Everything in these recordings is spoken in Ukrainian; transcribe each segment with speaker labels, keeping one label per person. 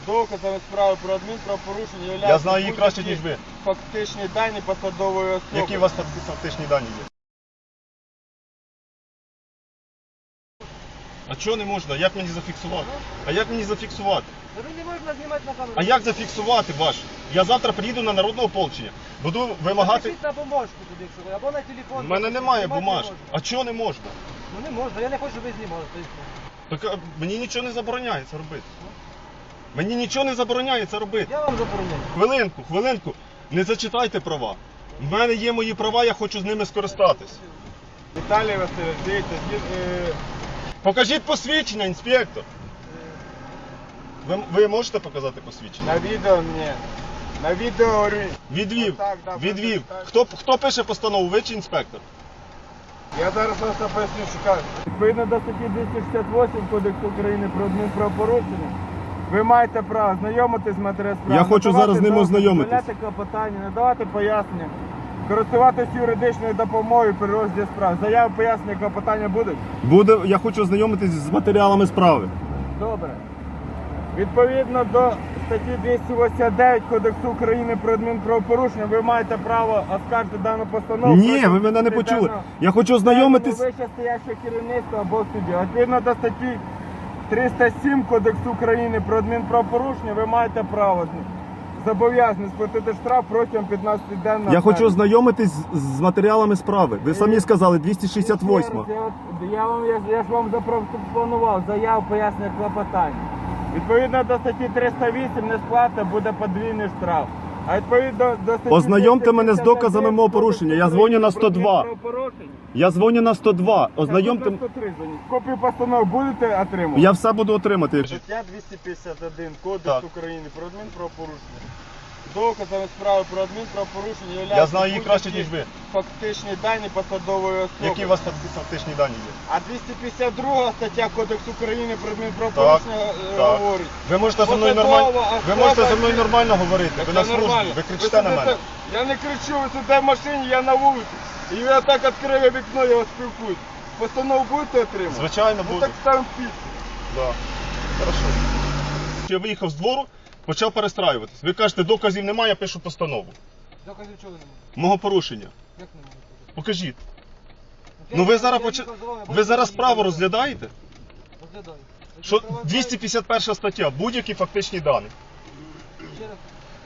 Speaker 1: Доказами справи про адмінправопорушення являються
Speaker 2: Я знаю її краще, ніж ви.
Speaker 1: фактичні дані посадової особи.
Speaker 2: Які у вас фактичні дані є? А чого не можна? Як мені зафіксувати? А як мені зафіксувати?
Speaker 1: Не можна знімати на камеру.
Speaker 2: А як зафіксувати ваш? Я завтра приїду на народне ополчення. Буду вимагати...
Speaker 1: Напишіть на бумажку туди, якщо ви, або на телефон.
Speaker 2: У мене немає
Speaker 1: Знімати
Speaker 2: бумажки.
Speaker 1: не можна.
Speaker 2: А чого не можна?
Speaker 1: Ну не можна, я не хочу, щоб ви знімали.
Speaker 2: Так мені нічого не забороняє це робити. Мені нічого не забороняє це робити.
Speaker 1: Я вам забороняю.
Speaker 2: Хвилинку. Не зачитайте права. У мене є мої права, я хочу з ними скористатись.
Speaker 1: Віталій Васильович, дивіться,
Speaker 2: Покажіть посвідчення, інспектор. Ви можете показати посвідчення?
Speaker 1: на відео мені. На відео говорю.
Speaker 2: Відвів.
Speaker 1: Отак, да,
Speaker 2: Відвів.
Speaker 1: так.
Speaker 2: Хто пише постанову, ви чи інспектор?
Speaker 1: Я зараз просто поясню, що кажу. Відповідно до статті 268 Кодексу України про адмінправопорушення, ви маєте право знайомитись з матеріалом справи.
Speaker 2: Я хочу зараз з ним ознайомитись.
Speaker 1: Надавати клопотання, надавати пояснення, користуватись юридичною допомогою при розгляді справ. Заяви, пояснення, клопотання будуть?
Speaker 2: Я хочу ознайомитись з матеріалами справи.
Speaker 1: Добре. Відповідно до статті 289 Кодексу України про адмінправопорушення, ви маєте право оскаржити дану постанову.
Speaker 2: Ні, ви мене не почули. Я хочу ознайомитись.
Speaker 1: Вище стояще керівництво або судді. Відповідно до статті 307 Кодексу України про адмінправопорушення, ви маєте право зобов'язані сплатити штраф протягом 15 денного.
Speaker 2: Я хочу ознайомитись з матеріалами справи. Ви самі сказали, 268.
Speaker 1: Я ж вам запропонував заяву, пояснення, клопотання. Відповідно до статті 308 несплата буде подвійний штраф. А відповідно до статті
Speaker 2: Ознайомте мене з
Speaker 1: 251
Speaker 2: доказами мого порушення. Я дзвоню на 102. Я дзвоню на 102. Ознайомте.
Speaker 1: Копію постанов будете отримувати?
Speaker 2: Я все буду отримати.
Speaker 1: Стаття 251 Кодекс
Speaker 2: Так.
Speaker 1: України про адмінправопорушення. Доказами справи про адмінправопорушення
Speaker 2: Я
Speaker 1: являються
Speaker 2: знаю її краще, ніж ви.
Speaker 1: фактичні дані посадової особи.
Speaker 2: Які у вас фактичні дані є?
Speaker 1: А 252 стаття Кодексу України про адмінправопорушення
Speaker 2: Так.
Speaker 1: говорить.
Speaker 2: Ви можете зі мною
Speaker 1: Посадова
Speaker 2: нормально. Ви
Speaker 1: особа-
Speaker 2: можете зі мною нормально говорити. Ви
Speaker 1: Це
Speaker 2: на службі.
Speaker 1: нормально.
Speaker 2: Ви кричите на
Speaker 1: сидите-
Speaker 2: мене.
Speaker 1: Я не кричу, ви сидите в машині, я на вулиці. І я так відкрив вікно, я вас спілкуюсь. Постанову будете отримати?
Speaker 2: Звичайно,
Speaker 1: Ну
Speaker 2: буду.
Speaker 1: так ставимо підпис.
Speaker 2: Да. Хорошо. Я виїхав з двору, почав перестраюватись. Ви кажете, доказів немає, я пишу постанову.
Speaker 1: Доказів чого немає?
Speaker 2: Мого порушення.
Speaker 1: Як немає?
Speaker 2: Покажіть. Ну ви зараз ви зараз справу розглядаєте?
Speaker 1: Розглядаю.
Speaker 2: Що 251 стаття, будь-які фактичні дані.
Speaker 1: Ще раз.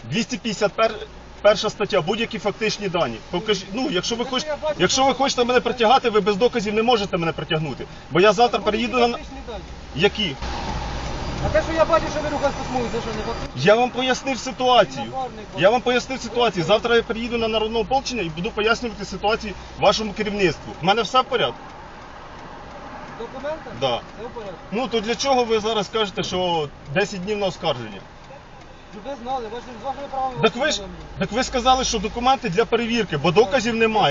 Speaker 2: 251 стаття, будь-які фактичні дані. Покажіть, ну, якщо ви хочете мене притягати, ви без доказів не можете мене притягнути. Бо я завтра переїду на...
Speaker 1: Фактичні дані.
Speaker 2: Які?
Speaker 1: А те, що я бачу, що ви рухаєтесь по смузі, це що не фактично?
Speaker 2: Я вам пояснив ситуацію. Я вам пояснив ситуацію. Завтра я приїду на народне ополчення і буду пояснювати ситуацію вашому керівництву. У мене все в порядку?
Speaker 1: Документи?
Speaker 2: Да.
Speaker 1: Це в порядку.
Speaker 2: Ну то для чого ви зараз кажете, що 10 днів на оскарження?
Speaker 1: Щоб ви знали, з вашими правами...
Speaker 2: Так ви сказали, що документи для перевірки, бо доказів немає.